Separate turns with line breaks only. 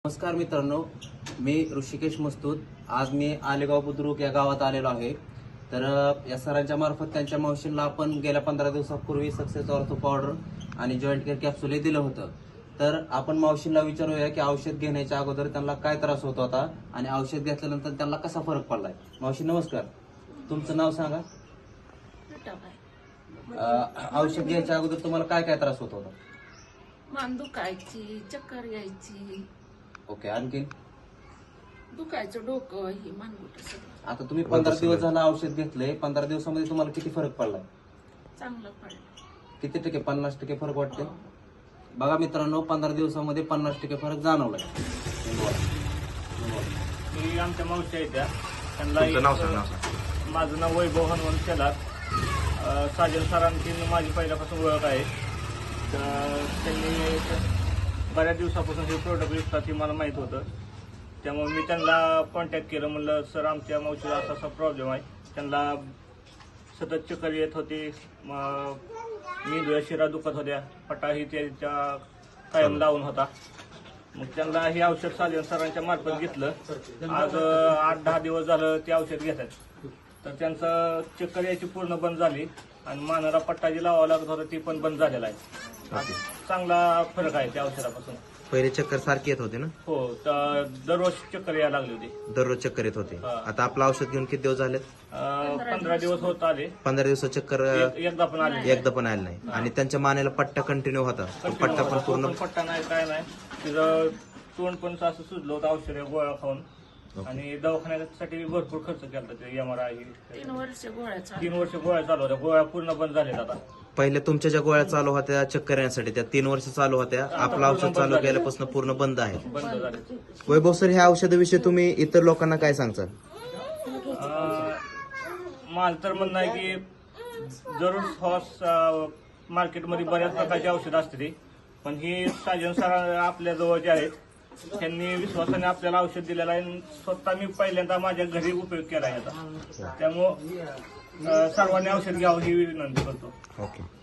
नमस्कार मित्रांनो, मी ऋषिकेश मस्तूत. आज मी आलेगाव बुद्रुक या गावात आलेलो आहे. तर या सरांच्या मार्फत त्यांच्या मावशींना आपण गेल्या 15 दिवसापूर्वी सक्सेस ऑर्थो पावडर आणि जॉईंट केअर कॅप्सूल दिलं होतं. तर आपण मावशींना विचारूया की औषध घेण्याच्या अगोदर त्यांना काय त्रास होत होता आणि औषध घेतल्यानंतर त्यांना कसा फरक पडलाय. मावशी नमस्कार, तुमचं नाव सांगा. औषध घ्यायच्या अगोदर तुम्हाला काय काय त्रास होत होता?
मान दुखायची, चक्कर यायची,
ओके. आणखी
दुखायचं डोकं, ही मानगुट सगळं.
आता तुम्ही 15 दिवस झालं औषध घेतलंय. 15 दिवसामध्ये तुम्हाला किती फरक पडलाय?
चांगलं पडलं.
किती टक्के? 50% फरक वाटते. बघा मित्रांनो, 15 दिवसामध्ये 50% फरक जाणवलाय.
मी आमच्या मावशी आहेत त्या, त्यांना माझं नाव वैभव हनुमान शेलार. साजन सरांची माझी पहिल्यापासून ओळख आहे. तर त्यांनी बऱ्याच दिवसापासून हे प्रोडक्ट विकतात हे मला माहीत होतं. त्यामुळे मी त्यांना कॉन्टॅक्ट केलं. म्हणलं सर, आमच्या मावशीला असा असा प्रॉब्लेम आहे. त्यांना सतत चक्कर येत होती, मेंदूच्या शिरा दुखत होत्या, पटाही त्यांच्या कायम लावून होता. मग त्यांना हे औषध साजन सरांच्या मार्फत घेतलं. आज 8-10 दिवस झालं ते औषध घेतात. तर त्यांचं चक्कर यायची पूर्ण बंद झाली आणि मानाला पट्टा जी लावावं लागत होता ती पण बंद झालेला आहे. चांगला फरक आहे त्या औषधापासून.
पहिले चक्कर सारखी येत होते ना?
हो, तर दररोज चक्कर यायला लागली होती.
दररोज चक्कर येत होते.
हा.
आता आपलं औषध घेऊन किती दिवस झालेत?
15 दिवस होत आले.
15 दिवसात चक्कर
एकदा पण आले.
एकदा पण आलं नाही. आणि त्यांच्या मानेला पट्टा कंटिन्यू होता. तो पट्टा पण पूर्ण
पट्टा नाही, काय नाही. तिचं तोंड पण असं सुजलं होतं औषध गोळ्या खाऊन. आणि दवाखान्यासाठी भरपूर खर्च केला. ते MRI
3 वर्ष गोळ्या चालू.
3 वर्ष गोळ्या चालू होत्या. गोळ्या पूर्ण बंद झाल्यात आता.
पहिले तुमच्या ज्या गोळ्या चालू होत्या चक्कर येण्यासाठी त्या 3 वर्ष चालू होत्या. आपलं औषध चालू केल्यापासून पूर्ण बंद आहे.
बंद झाले.
वैभव सर, ह्या औषधाविषयी तुम्ही इतर लोकांना काय सांगता?
माझं तर म्हणणं आहे की जरूर मार्केटमध्ये बऱ्याच प्रकारची औषधं असते, पण ही साजन सर आपल्या जवळ जे आहेत त्यांनी विश्वासाने आपल्याला औषध दिलेलं आहे. स्वतः मी पहिल्यांदा माझ्या घरी उपयोग केला आहे याचा. त्यामुळं सर्वांनी औषध घ्यावं ही विनंती करतो.
ओके.